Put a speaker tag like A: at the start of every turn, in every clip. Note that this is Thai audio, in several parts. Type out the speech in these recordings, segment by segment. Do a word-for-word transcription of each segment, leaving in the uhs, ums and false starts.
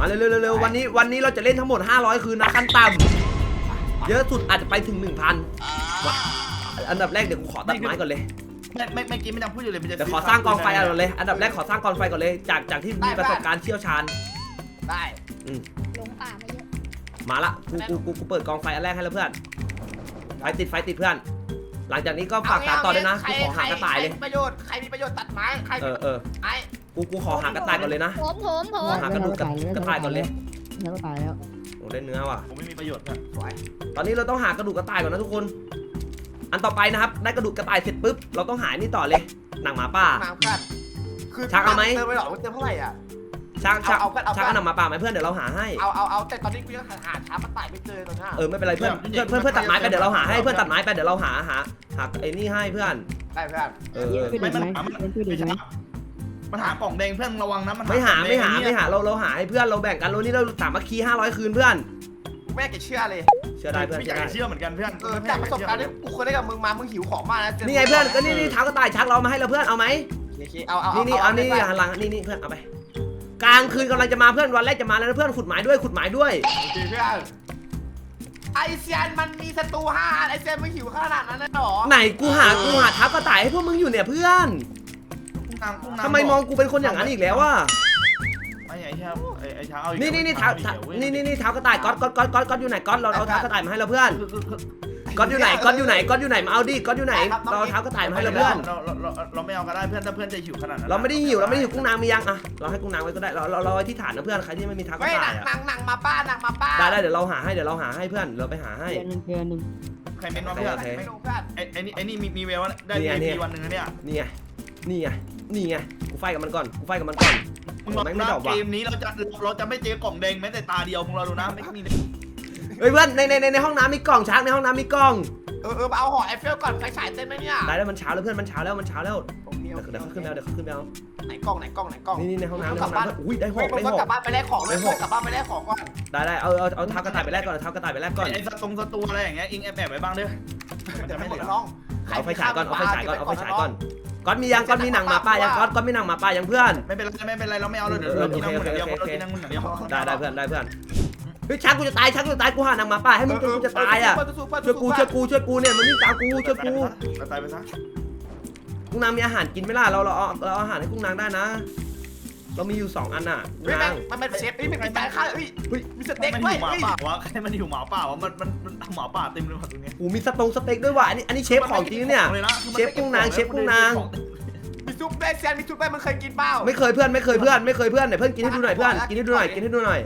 A: มาเร็วๆๆวันนี้วันนี้เราจะเล่นทั้งหมดห้าร้อยคืนนะขั้นต่ำเยอะสุดอาจจะไปถึง หนึ่งพัน อันดับแรกเดี๋ยวกูขอตัดไม้ก่อนเลย
B: ไม่ไม่ไม่กินไม่ต้องพูดอยู่เลยมันจะ
A: เดี๋ยวขอสร้างกองไฟก่อนเลยอันดับแรกขอสร้างกองไฟก่อนเลยจากจากที่มีประสบการณ์เชี่ยวชาญ
B: ได้
A: อืม
C: หลงป่ามาเยอะ
A: มาละกูกูกูกูเปิดกองไฟอันแรกให้แล้วเพื่อนไฟติดไฟติดเพื่อนหลังจากนี้ก็ฝากตามต่อด้วยนะกูขอหากระต่ายเลย
B: ประโยชน์ใครมีประโยชน์ตัดไม้ใคร
A: เออเออ
B: ไม้
A: กูกูขอหากระต่ายก่อนเลยนะ
C: ผมผมผม
A: หากระดูกกระต่ายก่อนเลย
D: แล้วก็ตายแล้ว
A: โอ้ได้เนื้อว่ะ
B: ผมไม่มีประโยชน์ครับสวย
A: ตอนนี้เราต้องหากระดูกกระต่ายก่อนนะทุกคนอันต่อไปนะครับได้กระดูกกระต่ายเสร็จปุ๊บเราต้องหานี่ต่อเลยหนังหมาป่า
B: คือ
A: ชักเอาไหม
B: เติมไปหรอเติมเท่าไหร่อ่ะ
A: ชักชักชักเอาหนังหมาป่าไหมเพื่อนเดี๋ยวเราหาให้
B: เอาเอาเอาแต่ตอนนี้กูยังหาหาช้ามาตายไม่เจอตอนนี้
A: เออไม่เป็นไรเพื่อนเพื่อนเพื่อนเพื่อนตัดไม้ไปเดี๋ยวเราหาให้เพื่อนตัดไม้ไปเดี๋ยวเราหาหาหาไอ้นี่ให้เพื่อน
B: ได้เพื่อน
A: เออ
D: ไม่มัน
B: มันหากล่องแดงเพื่อนระวังนะมัน
A: ไม่หาไม่หาไม่หาเราเราหาให้เพื่อนเราแบ่งกันเรานี่เราสามัคคีห้าร้อยคืนเพื่อน
B: แม่แกเชื่อเลย
A: เชื่อได้เพื่อน
B: ไม่อยากเชื่อเหมือนกันเพื่อนจากประสบการณ์ที่กูเคยได้กับมึงมามึงหิวของมากนะ
A: นี่ไงเพื่อนก็นี่นี่เท้ากระต่ายชักเรามาให้เราเพื่อนเอาไหม
B: เอาเอา
A: นี่นี่เอานี่หันหลังนี่นี่เพื่อนเอาไปกลางคืนกำลังจะมาเพื่อนวันแรกจะมาแล้วนะเพื่อนขุดหมายด้วยขุดหมายด้วย
B: เพื่อนไอเซียนมันมีศัตรูห้าไอเซียนมึงหิวขนาดนั้นเลยหรอ
A: ไหนกูหากูหาเท้ากระต่ายให้พวกมึงอยู่เนี่ยเพื่อนทำไมมองกูเป็นคนอย่างนั้นอีกแล้ววะ
B: ไอ้เท้าไอ้เท้า
A: นี่นี่นี่เท้านี่นี่นี่เท้ากระต่ายก๊อตก๊อตก๊อตก๊อตก๊อตอยู่ไหนก๊อตเราเอาเท้ากระต่ายมาให้เราเพื่อนก๊อตอยู่ไหนก๊อตอยู่ไหนก๊อตอยู่ไหนมาเอาดิก๊อตอยู่ไหนเราเอาเท้ากระต่ายมาให้เราเพื่อน
B: เราเราเราไม่เอาก็ได้เพื่อนถ้าเพื่อนจะหิวขนาดนั้น
A: เราไม่ได้หิวเราไม่ได้หิวกุ้งนางมียังอ่ะเราให้กุ้งนางไว้ก็ได้เราเราเราไว้ที่ฐานนะเพื่อนใครที่ไม่มีเท้ากระต่าย
B: อ่ะหนังมาป้าหนังมาป้า
A: ได้ได้เดี๋ยวเราหาให้เดี๋ยวเราหาให้เพื่อนเราไปหาให้
D: เดือนหนึ่งเดือนหนึ่ง
B: ใครเป็นน้องเพื่อนไม่รู้เพื่อนไอ้ไอ้นี่ไอ้นี่มีมีเวลได้มีวันหนึ่งนะเนี่ย
A: นี่ไงนี่ไงนี่ไงกูไฟกับมันก่อนกูไฟกับมันก่อน
B: มึงบอกนะเกมนี้เราจะเราจะไม่เจอกล่องแดงแม้แต่ตาเดียวมึงเราดูนะไม่มี
A: เฮ้ยเพื่อนในในในในห้องน้ำมีกล่องชักในห้องน้ำมีกล่อง
B: เออเออเอาห่อไอเฟลก่อนไฟฉายเต็มไหมเนี่ย
A: ได้แล้วมันเช้าแล้วเพื่อนมันเช้าแล้วมันเช้าแล้วเดี๋ยวเขาขึ้นแล้วเดี๋ยวเขาขึ้นแล้ว
B: ไหนกล่องไหนกล่องไหนกล่อง
A: นี่นี่ในห้องน้ำในห้องน้ำอุ้ยได้หกได้หก
B: กลับบ้านไปแลกของเลยกลับบ้านไปแลกของก่อน
A: ได้ได้เอาเอาเอาเท้ากระต่ายไปแลกก่อนเท้ากระต่ายไปแลกก่อน
B: ไอ้สตงสตูอะไรอย่างเงี้ยอิงแอบแอบไว้บ้างเด้อมันจะไม่เหลือน้อง
A: เอาไฟฉายก่อนเอาไฟฉายก่อนเอาไฟฉายก่อนก๊อตมียังก๊อตมีหนังหมาป่ายังก๊อตก๊อตมีหนังหมาป่ายังเพื่อน
B: ไม่เป็นไรไม่เป็นไรเราไม่เอาเราเดี๋ยวเรากินน้ำมันเดียวเรากินน้ำมันเดียว
A: ได้ได้เพื่อนได้เพื่อนเฮ้ยชักกูจะตายชักกูจะตายกูหาหนังหมาป่าให้มึงจนกูจะตายอ่ะช่วยกูช่วยกูช่วยกูเนี่ยมันวิ่งตามกูช่วยกู
B: ตายไปซะ
A: กุ้งนางมีอาหารกินไหมล่ะเราเราเอาเราอาหารให้กุ้งนางได้นะเรามีอยู่สองอันน่ะกุ้งนาง
B: มันเป็นเชฟนี่เป็นการฆ่าเฮ้ยมีสเต็กด้วยหมาป่าวะใครมันหิวหมาป่าวะมันมันมันหมาป่าเต็มเลยตรงนี้
A: โอ้มีสตงสเต็กด้วยว่ะอันนี้อันนี้เชฟของจริงเนี่ยเชฟกุ้งนางเชฟกุ้งนาง
B: มีซุปได้แซนมีซุปได้มันเคยกินเปล่า
A: ไม่เคยเพื่อนไม่เคยเพื่อนไม่เคยเพื่อนไหนเพื่อนกินให้ดูหน่อยเพื่อนกินให้ดูหน่อยกินให้ดูหน่อย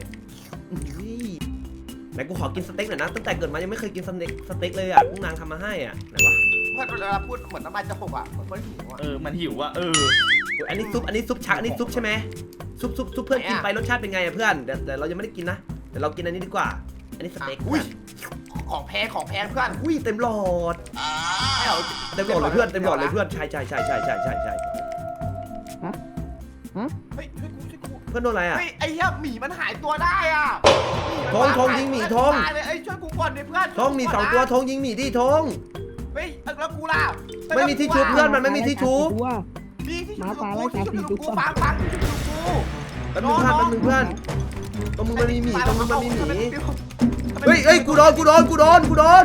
A: ไหนกูขอกินสเต็กหน่อยนะตั้งแต่เกิดมายังไม่เคยกินสเต็กสเต็กเลยอ่ะกุ้งนางทำมาให้อ่ะไหนวะ
B: เพื่อนเวลาพูดเหมือนน้ำมันจะหกอ่ะเหมือนคนหิวอ่ะเออมันหิวอ่ะเออ
A: อันนี้ซุปอันนี้ซุปชักอันนี้ซุปใช่ไหมซุปซุปซุปเพื่อนกินไปรสชาติเป็นไงอ่ะเพื่อนเดี๋ยวแต่เรายังไม่ได้กินนะเดี๋ยวเรากินอันนี้ดีกว่าอันนี้สเต็ก
B: อุ้ยของแพงของแพงเพื่อน
A: อุ้ยเต็มหลอดเต็มหลอดเลยเพื่อนเต็มหลอดเลยเพื่อนใช่ใช่ใช่ใช่ใช่ใช่ใช่
D: ฮะฮะ
B: เฮ้ยช่วยกูช่วยกู
A: เพื่อนโดนอะไรอ่ะ
B: เฮ้ยไอ้เหี้ยหมีมันหายตัวได้อ่ะ
A: ทงทงยิงหมีทง
B: เลยไอ้ช่วยกูก่อนดิเพื่อน
A: ทงมีสองตัวทงยิงหมีดิทง
B: เฮ้ยแล้วกูล่ะ
A: ไม่มีที่ชุบเพื่อนมันไม่มีที่ชุบ
B: มีที่ชุบกูที่ชุบกูฟังฟังที่ชุบกู
A: แป๊บนึงเพื่อนแป๊บนึงเพื่อนตรงมึงมันมีหมีตรงมึงมันมีหมีเฮ้ยเฮ้ยกูโดนกูโดนกูโดนกูโดน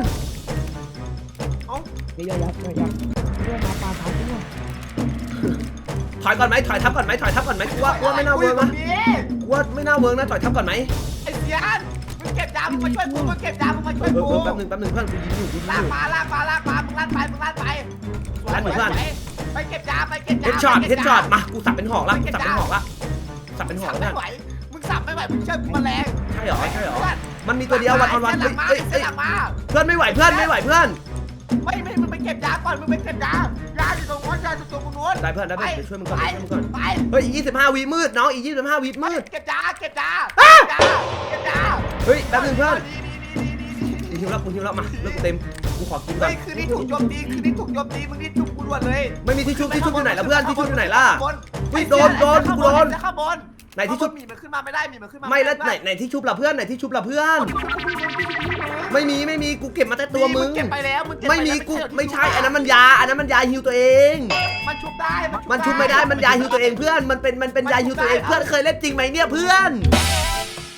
D: ไม่ยอมยับไม่ยอมเรื่องมาปลาสามตัว
A: ถอยก่อนไหมถอยทับก่อนไหมถอยทับก่อนไหมกูว่ากูว่าไม่น่าเวิร์กนะกูว่าไม่น่าเวิร์กนะถอยทับก่อนไหม
B: ไอ้เสียนมึงเก็บยามึงมาช่วยกูมึงเก็บยามึงมาช่วยกู
A: แป๊บนึงแป๊บนึงเพื่อนกูยิงอยู่กูยิงอยู่
B: ลากมาลากมาลากมามึงลั่นไปมึงลั่นไป
A: ลั่นเหมือนเพื่อน
B: ไปเก็บยาไปเก็บยา
A: เฮดช็อตเฮดช็อตมากูสับเป็นหอกละสับเป็นหอกละสับเป็นหอกแล้ว
B: มึงสับไม่ไหวมึงเชื่อกูมาแรง
A: ใช่หรอใช่หรอมันมีตัวเดียววันออนวัน
B: เฮ้ยเฮ้ย
A: เพื่อนไม่ไหวเพื่อนไม่ไหวเพื่อน
B: ไม่ไม่มึงไปเก็บยาก่อนมึงไปเก็บยายาอยู่ตรงนู้นยาอยู่ตรงนู้น
A: ได้เพื่อนได้เพื่อนเดี๋ยวช่วยมึงก่อนช่วยมึงก่อนเฮ้ยอีกยี่สิบห้าวิมืดน้องอีกยี่สิบห้าวิมืด
B: เก็บยาเก็บยาเก็บยา
A: เฮ้ยแป๊บนึงเพื่อนกูหิวแล้วกูหิวแล้วมาเลิกเต็มกูขอกินก่อน
B: คือนี่ถูกโจมตีคือนี่ถูกโจมตีมึงนี่จุกกูด่วนเลย
A: ไม่มีที่ชุบที่ชุบอยู่ไหนแล้วเพื่อนที่ชุบอยู่ไหนล่ะวิ่งโดนโดนกูโดน
B: ข้างบน
A: ไหนที่ชุบ
B: มีมันขึ้นมาไม่ได้มีมันขึ้นมา
A: ไม่แล้วไหนไหนที่ชุบล่ะเพื่อนไหนที่ชุบล่ะเพื่อนไม่มีไม่มีกูเก็บมาแต่ตัวมึง
B: เก็บไปแล้วมึง
A: ไม่มีกูไม่ใช่อันนั้นมันยาอันนั้นมันยาฮิวตัวเอง
B: มันชุบได้
A: มันชุบไม่ได้มันยาฮิวตัวเองเพื่อนมันเป็นมันเป็นยาฮิวตัวเองเพื่อนเคยเล่นจริงไหมเนี่ยเพื่อน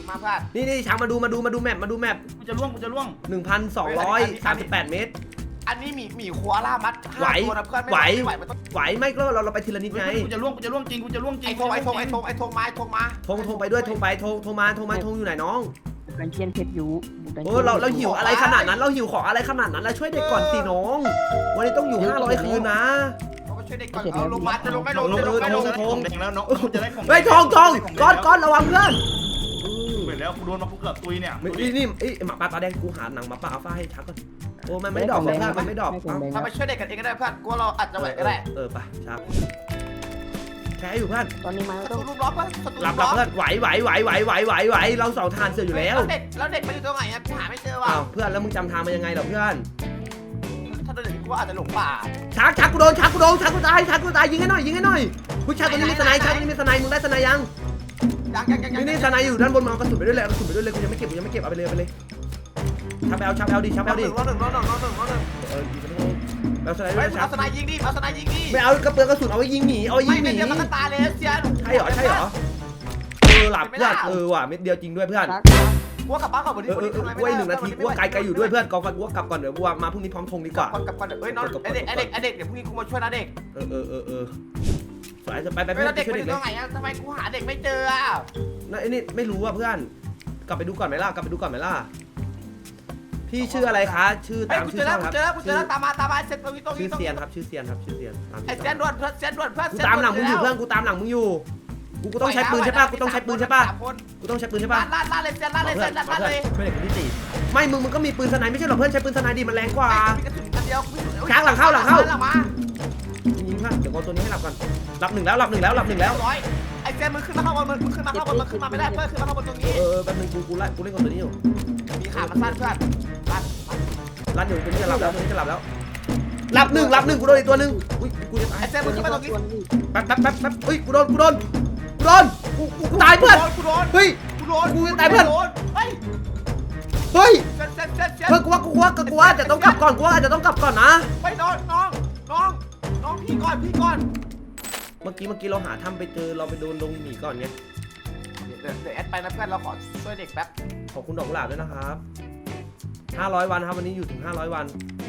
C: มาเพื่อน
A: นี่นี่ช้างมาดูมาดูมาดูแมปมาดูแมป
B: กูจะล่วงกูจะล่วง
A: หนึ่งพันสองร้อยสามสิบแปดเมตร
C: อันนี้หมีหมีคัวล่ามัด
A: ไหว
C: ตัวนะเพื่อนไม่
A: ไหว
C: ไหวมันต้อง
A: ไหวไหมก็เราเราไปทีละนิดไง
B: กูจะล่วงกูจะล่วงจริงกูจะล่วงจริ
C: ไอง ทงไอทงไอทงไอทงมาไอทงมา
A: ทงทงไปด้วยทงไปทงทงมาทงมาทงอยู่ไหนน้อง
D: บุกดันเชียนเพชรอยู่บุกดัน
A: โอ้
D: เชียน
A: เราเราหิวอะไรขนาดนั้นเราหิวของอะไรขนาดนั้นเราช่วยเด็กก่อนสิน้องวันนี้ต้องอยู่ห้าร้อยคืนนะ
C: เราก็ช่วยเด็กก่อนเอาลงมาจะลงไม่ลง
B: ลง
C: จะ
B: ล
C: ล
B: ง
C: งไม่
B: ล
C: ล
B: ง
C: ง
B: จะได้ของแดงแล้วน้องกูจะได้ของ
A: เฮ้ยทองทองก้อนก้อนระวังเพื่อน
B: เหมือนแล้วกูโดนมากูเกือบตุยเนี่ย
A: นี่นี่ไอ้หมาป่าตาแดงกูหาหนังหมาป่าอัลฟาให้ชักก่อนโอ้มันไม่ดอกเพื่อนมันไม่ดอก
C: เราไปช่วยเด็กกันเองก็ได้เพื่อนกูเราอาจจะไหวก็ได้
A: เออไปชักแค่อยู่เพื่อน
D: ตอนนี้มา
C: ศัต
D: ต้อ
C: รู
D: ง
C: ลูกล้อเพื่อนศัตรู
A: หลับห
C: ล้
A: ลั
C: อบ
A: เพื่อนไหวไหวไหวไหวไหวไหวไหวเราเสาทานเสืออยู่แล้ว
C: เด็กแล้วเด็กมันอยู่ตรงไหนอ่ะกูหาไม่เจอว่ะ
A: อ้าวเพื่อนแล้วมึงจำทางมายังไงเหรอเพื่อน
C: ถ้าเด็กกูอาจจะหลงป่า
A: ชักชักกูโดนชักกูโดนชักกูตายชักกูตายยิงให้หน่อยยิงให้หน่อยผู้ชายตัวนี้มีสไนชักตัวนี้มีสไนมึงได้สไนยัง
C: ยังยังยังยัง
A: นี่นี่สไนอยู่ด้านบนมาเอากระสุนไปด้วยเลยเอากระสุนไปด้วยเลยกูยังไม่เก็บกูยังไม่เก็บเอาไปเลยเอาไปเลยชักไปเอาชักไปเอาดิชักไป
C: เอา
A: เอา
C: ห
A: ดิ
C: นึ่งรอหนึ่งรอหนึ่งรอหนึ่งรอหนึ่ง
A: เออยิงไปเลยเอาสไนด้
C: เฮ้
A: วย ยชั
C: เอา
A: ก
C: สไนยิงดิเอาสไนยิงดิ
A: ไม่เอากระเปือกระสุนเอาไว้ยิงหนีเอาไว้ยิ
C: ไม่
A: งห
C: ไม่
A: นี
C: เดียวมันก็ตายเลยเซียน
A: ใช่เหรอใช่เหรอเออหลับเพื่อนเออว่ะเม็ดเดียวจริงด้วยเพื่อน
D: ชัก
C: กูกลับบ้านก่อนวันนี้
A: เออเออเออกูไว้หนึ่งนาทีกูว่าไกลไกลอยู่ด้วยเพื่อนกองไฟกูว่ากลับก่อนเดี๋ยวกูมาพรุ่งนี้พร้อมธงดีกว่า
C: ก่อนกลับก่อนเฮ้ยน้องไอเด็กไอเด็กไอเด็กเดี๋ยวพรุ่งนี้กูมาช่วยนะเด็ก
A: เออเออเออเออสายจะไปไป
C: เฮ้ย
A: เพื่อ
C: แล้ว
A: น
C: เด็ก
A: ช่วย
C: มันอ
A: เด็ก
C: ยู่
A: เล
C: ตร
A: ย
C: งไหนอ่ะทำไมกูหาเด็กไม่เจออ่ะ
A: นั่นไอ้นี่ไม่รู้อ่ะเพื่อนกลับไปดูก่อนไหมล่ะกลับไปดูก่อนไหมล่ะพี่ชื่ออะไรคะชื่อ
C: เฮ้ย
A: ตาม
C: กู
A: ชื่
C: เจ
A: อ
C: อ
A: ช่
C: แล้
A: อ
C: ว
A: งครับ
C: กูเจอแล้วกูเจอแล้วตามมาตามมาเซ็ตตรงนี้ตรง
A: ชื่
C: นี้
A: อเซียนครับชื่อเซียนครับชื่อเซียนตาม
C: ไอ้
A: ชื่อ
C: เซียนด่วนเพื่อนเซียนด่วนเพื่อน
A: กูตามหลังมึงอยู่เพื่อนกูตามหลังมึงอยู่กูกูต้องใช้ปืนใช่ป่ะกูต้องใช้ปืนใช่ป่ะกูต้องใช้ปืนใช่ป่ะ
C: ลาดลาดเลยเซียนลาดเลยเซียนลาดลาดเลย
A: ช่วยเด็กคนที่สี่ไม่มึงมึงก็มีปืนสไนไม่ใช่หรอเพื่อนใช้ปืนสไนดีมันแรงกว่า
C: มีกระสุนอันเดียว
A: ช้างหลังเข้าหลังเข้า
C: หลังมา
A: ยิงเพื่อนเดี๋ยวเอาตัวนี้ให้หลับก่อนหลับหนึ่งแล้วหลับหนึ่งแล้วหลับหนึ่งแล้ว
C: ร้อยไอ้เซียนมึงขึ้นมาข้างบนมึงขึ้นมาข้างบนมึงขึ้นมาไม่ได้เพื่อนขึ้นมาข้างบนตรงนี้
A: เออแป๊บนึงกูกูไล่กูเล่นกับตัวนี้อยู่
C: มีขามาสั้นเพื่อนลาด
A: รันอยู่ตัวนี้จะหลับแล้วตัวนี้จะหลับแล้วหลับหนึ่งหลับหนึ่งกูโดนอีกตัวหนึ่งอุ้ยกูจะตาย
C: ไอ้เซียนมึงขึ้นมาตรงนี้
A: แป๊บแป๊บแป๊บแป๊บอุ้ยกูโดนกูโดนกูโดนกูกูกูตายเพื่อน
C: กูโดน
A: เฮ้ย
C: กูโดน
A: กูจะตายเพื่อน
C: เฮ้ย
A: เฮ้ย
C: เซียนเซียนเซียนเซียน
A: เพื่อนกูว่ากูว่ากูว่าจะต้องกลับก่อนกูว่าอาจจะต้องกลับก่อนนะ
C: ไปน้องน้องน้องน้องพี่ก่อนพี่ก่อน
A: เมื่อกี้เมื่อกี้เราหาถ้ำไปเจอเราไปโดนลงหมีก่อนไง
C: เดี๋ยวเดี๋ยวแอดไปนะเพื่อนเราขอช่วยเด็กแป๊บ
A: ขอบคุณดอกกุหลาบด้วยนะครับห้าร้อยวันครับวันนี้อยู่ถึงห้าร้อยวัน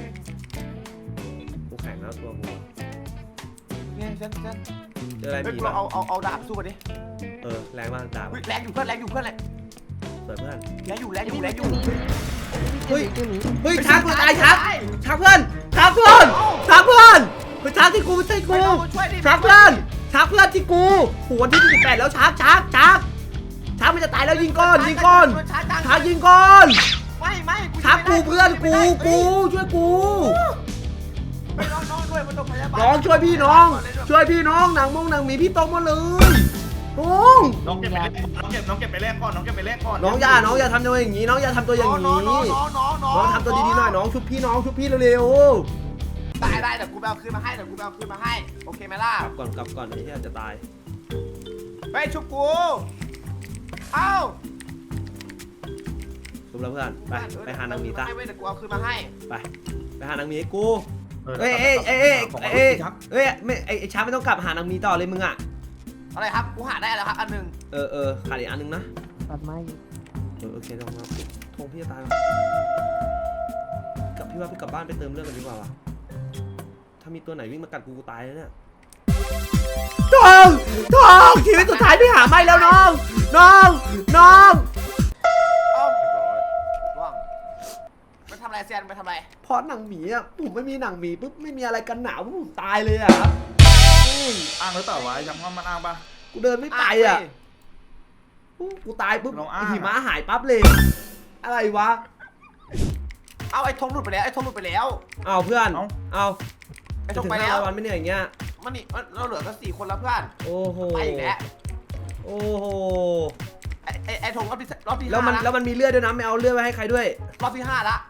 A: กูแข็งแล้วตัวกู
C: เนี่ยเซียนเซียน
A: เจออะไร
C: เฮ้ย
A: หมี
C: กู
A: บ้าง
C: เอาเอาเอาดาบสู้กันดิ
A: เออแรงมากดาบ
C: อุ๊ยแรงอยู่เพื่อนแรงอยู่เพื่อนแรง
A: สวยเพื่อน
C: แรงอยู่แรงอยู่แรงอยู่
A: เฮ้ย
D: ตัวนี้
A: เฮ้ยช้างกูตายช้างช้างเพื่อนช้างเพื่อนช้างเพื่อนเฮ้ยช้างที่กูไม่ใช่กู
C: ไม่ต้องมาช่วยดิ
A: ช้างเพื่อนช้างเพื่อนที่กูหัวที่สิบแปดแล้วช้างช้างช้างช้างมันจะตายแล้วยิงก้อนยิงก้อนช้างยิงก้อน
C: ไม่ไม่
A: ช้างกูเพื่อนกูกูช่วยกู
C: ไม่น้องน้องด้วยมันต้องพยาบาล
A: น้องช่วยพี่น้อง ช่วยพี่น้องหนังมงหนังหมีพี่ตรงมาเลยน้อง
B: น้องเก็บไปแลกน้องเก็บน้องเก็บไปแลกก่อนน้องเก็บไปแลกก่อน
A: น้องอย่าน้องอย่าทำตัวอย่างนี้น้องอย่าทำตัวอย่างนี้
C: น้องน้องน้องน้องน้อง
A: น้องทำตัวดีๆหน่อยน้องชุบพี่น้องชุบพี่เร็ว
C: ได้ได้เดี๋ยวกูไปเอาคืนมาให้เดี๋ยวกูไปเอาคืนมาให้โอเคไหมล่ะ
A: ๆกลับก่อนกลับก่อนไอ้ที่อาจจะตาย
C: ไปชุบกูเอ้า
A: ชุบแล้วเพื่อนไปไปหานางหมีตา
C: ไม่เว้ยเดี๋ยวกูเอาคืนมาให้
A: ไปไปหานางหมีให้กูเอ้ยเอ้ยเอ้ยเอ้ยเอ้ยเอ้ยไม่ไอ้ช้างไม่ต้องกลับหานางหมีต่อเลยมึงอ่ะ
C: อะไรครับกูหาได้แล้วครับอันหนึ่ง
A: เออเออขาดอีกอันนึงนะ
D: ตัดไม้
A: เออโอเคลองมาทงพี่จะตายกลับพี่ว่าพี่กลับบ้านไปเติมเรื่องกันดีกว่าวะถ้ามีตัวไหนวิ่งมากัดกูกูตายแล้วเนี่ยทองทองชีวิตสุดท้ายพี่หาไม่แล้วน้องน้องน้อง
C: เอ้าว่างไปทำอะไรเซียนไปทำอะไร
A: เพราะหนังหมีอ่ะผมไม่มีหนังหมีปุ๊บไม่มีอะไรกันหนาวปุ๊บผมตายเลยอ่ะครับ
B: อ้างหรือเปล่าวะจำว่ามันอ้างปะ
A: กูเดินไม่ไปอ่ะกูตายปุ๊บ
B: ลองอ้าง
A: หิมะหายปั๊บเลย อะไรวะ
C: เอาไอ้ธงหลุดไปแล้วไอ้ธงหลุดไปแล้ว
A: เอาเพื่อนเอา
C: ไอ้
A: จะ
C: ธง
A: ถึง
C: ไป
A: ห้า
C: แล้ว
A: ร้อยวันไม่เหนื่อยอย่างเงี้ย
C: มันนี่เราเหลือกันสี่คนแล้วเพื่อน
A: โอ้โห
C: ไปอีกแล้ว
A: โอ้โห
C: ไอ้ไอ้ไอ้ธงรอบที่รอบที่
A: แล้วมัน
C: ห้า
A: แล้วมันมีเลือดด้วยนะไม่เอาเลือดไว้ให้ใครด้วย
C: รอบที่ห้าละ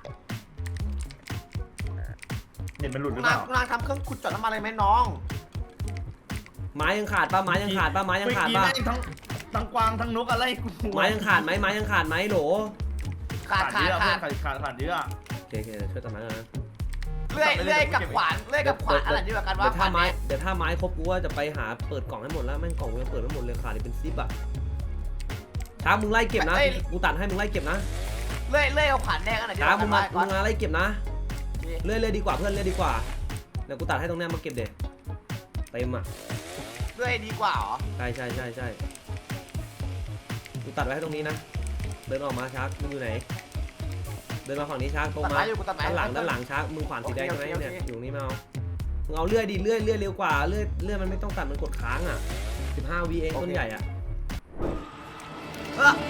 B: เห็นมันหลุดหรือเป
C: นาง
B: ล่าน
C: างทำเครื่องขุดเจาะน้ำมันอะไรไหมน้อง
A: ไม้ยังขาดป่ะไม้ยังขาดป่ะไม้ยังขาดป่ะ
B: เมื่อกี้แม่งทั้งทั้งกวางทั้งนกอะไรกู
A: ไม้ยังขาดไหมไม้ยังขาดไหมโหล
C: ขาดขาด
B: เยอะ
C: ขาด
B: ขาดขาดขาดเยอะ
A: โอเคโอเคช่วยตัดไม้ก่อนนะ
C: เลื่อยเลื่อยกับขวานเลื่อยกับขวานอะไรดีกว่ากัน
A: เดี๋
C: ว่า
A: ยวถ้าไม้เดี๋ยวถ้าไม้ครบกูว่าจะไปหาเปิดกล่องให้หมดแล้วแม่งกล่องกูยังเปิดไม่หมดเลยขาดอีกเป็นซิปอ่ะช้างมึงไล่เก็บนะกูตัดให้มึงไล่เก็บนะ
C: เลื่อยเลื่อยเอาขวานแดงอันไหน
A: ช้างมึงมา
C: ก่อ
A: มึ
C: น
A: งมาไล่เก็บนะเลื่อยเลื่อยดีกว่าเพื่อนเลื่อยดีกว่าเดี๋ยวกูตัดให้ตรงเนี้ยมาเก็บเด็ดเต็มอ่ะ
C: เลื่อยดีกว่าเหรอ
A: ใช่ใช่ใช่ใช่กูตัดไว้ให้ตรงนี้นะเดินออกมาช้างมึงอยู่ไหนเดินมาฝั่งนี้ช้างตรง
C: ตัด
A: มา
C: ไม้อยู่กูตัดไม้
A: ด้านหลังด้านหลังช้างมึงขวานสีแดงใช่ไหม
C: โอเคโอเค
A: เนี่ยอยู่ตรงนี้มาเอามึงเอาเลื่อยดิเลื่อยเลื่อยเร็วกว่าเลื่อยเลื่อยมันไม่ต้องตัดมันกดค้างอ่ะสิบห้าวิเองต้นใหญ่อ่ะ
C: เออ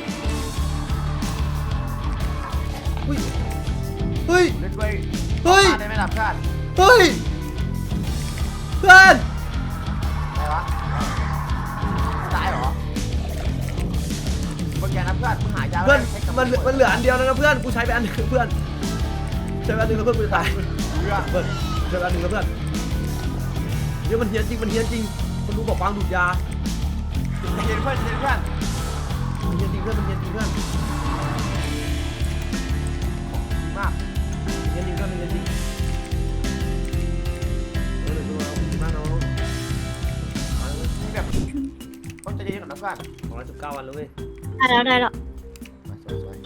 A: เฮ้ยเฮ้ย
C: เล่นด้วย
A: เฮ้ย
C: ได้ไหมล่ะเพื่อน
A: เฮ้ยเพื่อน
C: อะไรวะตายเหรอคนแกนะเพื่อนมึงหายา
A: เพื่อน
C: ใช้กำลัง
A: มันเหลือมันเหลืออันเดียวแล้วนะเพื่อนกูใช้ไปอันหนึงเพื่อนใช้ไปอันหนึงแล้วเพื่อนกูจะตาย
C: เพื่อน
A: เพื่อนใช้ไปอันหนึงแล้วเพื่อนเดี๋ยวมันเฮี้ยนจริงมันเฮี้ยนจริงคนดูบอกวางดูดยา
C: เย็นเพื่อนเย็นเพื่อน
A: มันเฮี้ยนจริงเพื่อนมันเฮี้ยนจริงเพื่อน
C: มาก
A: เฮี้ยนจริงเพื่อนมันเฮี้ยนจริงเออเดี๋ยวดูเอาดีมากเนาะ
C: นี่แบบต้องใจเย็นก่อนนะเพื่อน
A: สองร้อยสิบเก้าวันแล้วเว้ย
D: ได้แล้วได้แล้ว
C: สวย